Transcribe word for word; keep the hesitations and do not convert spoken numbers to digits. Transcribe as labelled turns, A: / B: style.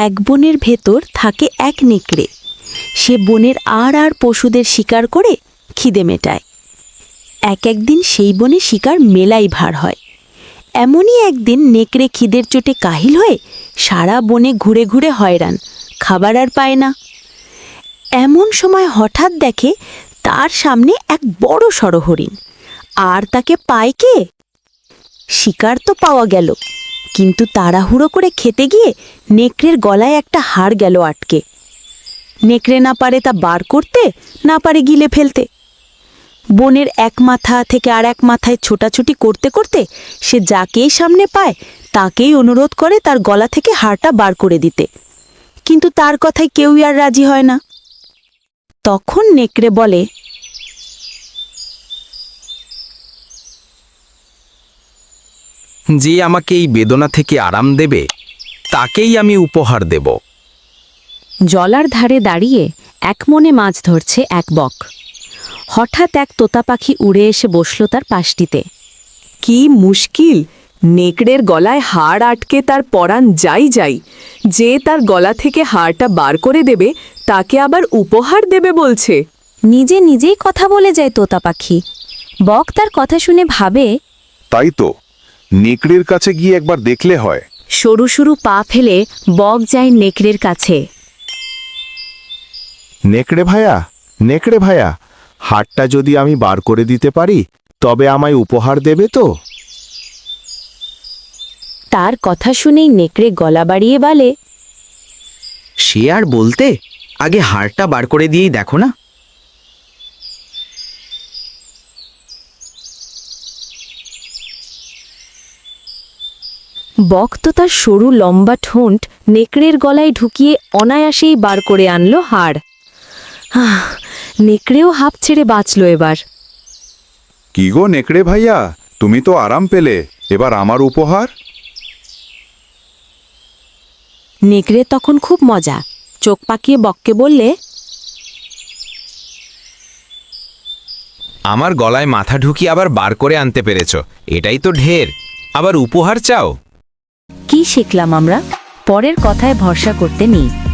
A: এক বনের ভেতর থাকে এক নেকড়ে। সে বনের আর আর পশুদের শিকার করে খিদে মেটায়। এক একদিন সেই বনে শিকার মেলাই ভার হয়। এমনই একদিন নেকড়ে খিদের চোটে কাহিল হয়ে সারা বনে ঘুরে ঘুরে হয়রান, খাবার আর পায় না। এমন সময় হঠাৎ দেখে তার সামনে এক বড় সড় হরিণ। আর তাকে পায় কে? শিকার তো পাওয়া গেল, কিন্তু তাড়াহুড়ো করে খেতে গিয়ে নেকড়ের গলায় একটা হাড় গেল আটকে। নেকড়ে না পারে তা বার করতে, না পারে গিলে ফেলতে। বনের এক মাথা থেকে আর এক মাথায় ছোটাছুটি করতে করতে সে যাকেই সামনে পায় তাকেই অনুরোধ করে তার গলা থেকে হাড়টা বার করে দিতে, কিন্তু তার কথায় কেউই আর রাজি হয় না। তখন নেকড়ে বলে,
B: যে আমাকে এই বেদনা থেকে আরাম দেবে তাকেই আমি উপহার দেব।
A: জলার ধারে দাঁড়িয়ে এক মনে মাছ ধরছে এক বক। হঠাৎ এক তোতা পাখি উড়ে এসে বসল তার পাশটিতে।
C: কি মুশকিল! নেকড়ের গলায় হাড় আটকে তার পরাণ যাই যাই। যে তার গলা থেকে হাড়টা বার করে দেবে তাকে আবার উপহার দেবে বলছে।
A: নিজে নিজেই কথা বলে যায় তোতা পাখি। বক তার কথা শুনে ভাবে,
D: তাই তো, নেকড়ের কাছে গিয়ে একবার দেখলে হয়।
A: সরু সরু পা ফেলে বক যায় নেকড়ের কাছে।
D: নেকড়ে ভায়া, নেকড়ে ভায়া, হাড়টা যদি আমি বার করে দিতে পারি তবে আমায় উপহার দেবে তো?
A: তার কথা শুনেই নেকড়ে গলা বাড়িয়ে বলে,
B: সে আর বলতে, আগে হাড়টা বার করে দিয়েই দেখো না।
A: বক তো তার সরু লম্বা ঠোঁট নেকড়ের গলায় ঢুকিয়ে অনায়াসেই বার করে আনলো হাড়। আহ, নেকড়েও হাঁপ ছেড়ে বাঁচল এবার।
D: কি গো নেকড়ে ভাইয়া, তুমি তো আরাম পেলে, এবার আমার উপহার?
A: নেকড়ে তখন খুব মজা, চোখ পাকিয়ে বককে বললে,
B: আমার গলায় মাথা ঢুকিয়ে আবার বার করে আনতে পেরেছ, এটাই তো ঢের। আবার উপহার চাও?
A: কি শিখলাম আমরা? পরের কথায় ভরসা করতে নেই।